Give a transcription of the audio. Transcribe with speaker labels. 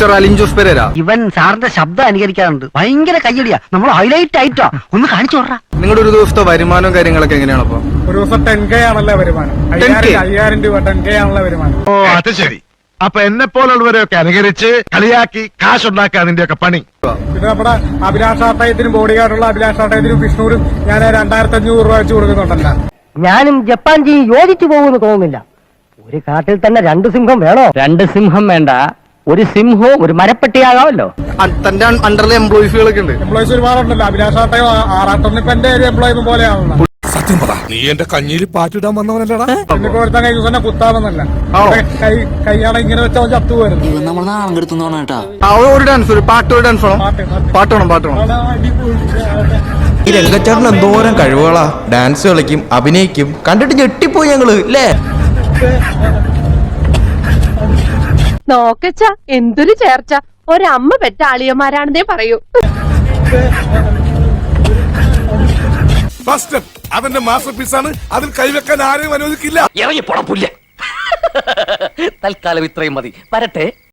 Speaker 1: Mister Alin Jose Pereira.
Speaker 2: ഇവൻ സാറിന്റെ ശബ്ദം അനുകരിക്കാറുണ്ട്. ഭയങ്കര കയ്യടിയാ. നമ്മൾ ഹൈലൈറ്റ് ആയിട്ടോ ഒന്ന് കാണിച്ചു വിടറാ.
Speaker 1: നിങ്ങളുടെ ഒരു ദിവസത്തെ വരുമാനവും കാര്യങ്ങളൊക്കെ എങ്ങനെയാണ്? അപ്പൊ
Speaker 3: ഒരു ദിവസം 10K ആണല്ലോ വരുമാനം. 5000 രൂപ 10K ആണല്ലോ വരുമാനം.
Speaker 4: ഓ അത് ശരി. അപ്പൊ എന്നെ പോലുള്ളവരെയൊക്കെ അനുകരിച്ച് കളിയാക്കി കാശുണ്ടാക്കുക അതിന്റെയൊക്കെ പണി.
Speaker 3: പിന്നെ നമ്മുടെ അഭിലാഷാട്ടയത്തിനും ബോഡി ഗാർഡുള്ള അഭിലാഷാട്ടയത്തിനും വിഷ്ണുവിനും ഞാൻ 2500 രൂപ വെച്ച് കൊടുക്കുന്നുണ്ടല്ലോ.
Speaker 2: ഞാനും ജപ്പാൻ ജി യോജിച്ചു പോകുമെന്ന് തോന്നുന്നില്ല. ഒരു കാട്ടിൽ തന്നെ 2 സിംഹം വേണോ? 2 സിംഹം വേണ്ട, ഒരു സിംഹവും ഒരു മരപ്പെട്ടിയാകാമല്ലോ.
Speaker 1: തന്റെ അണ്ടറിൽ എംപ്ലോയീസുകളൊക്കെ ഉണ്ട്.
Speaker 3: എംപ്ലോയീസ് ഒരുപാടുണ്ടല്ലോ. അഭിലാഷാട്ടയോ ആറാട്ടൊന്നും ഇപ്പൊ എന്റെ ഒരു എംപ്ലോയി പോലെയാണല്ലോ.
Speaker 5: സത്യം പറ, നീ എന്റെ കഞ്ഞിയിൽ പാറ്റിടാൻ വന്നവനല്ലടാ.
Speaker 3: എന്നിപ്പോ ഒരുത്തൻ കൈ ദിവസം കുത്താമെന്നല്ല, കൈയാണ് ഇങ്ങനെ വെച്ചാൽ ചത്തു വരുന്നു.
Speaker 1: ഒരു ഡാൻസ്, ഒരു പാട്ട്, ഒരു ഡാൻസ് വേണം. പാട്ട് വേണം.
Speaker 6: ഈ രംഗച്ചേട്ടൻ എന്തോരം കഴിവുകളാ. ഡാൻസ് കളിക്കും, അഭിനയിക്കും. കണ്ടിട്ട് ഞെട്ടിപ്പോയി ഞങ്ങള് അല്ലേ.
Speaker 7: നോക്കച്ച എന്തൊരു ചേർച്ച. ഒരമ്മ പെറ്റ ആളിയന്മാരാണെന്നേ പറയൂ.
Speaker 5: ഫസ്റ്റ് അവന്റെ മാസ്റ്റർ പീസാണ്. അതിൽ കൈവെക്കാൻ ആരെയും അനുവദിക്കില്ല.
Speaker 8: ഇറങ്ങി പൊടപ്പില്ല. തൽക്കാലം ഇത്രയും മതി. വരട്ടെ.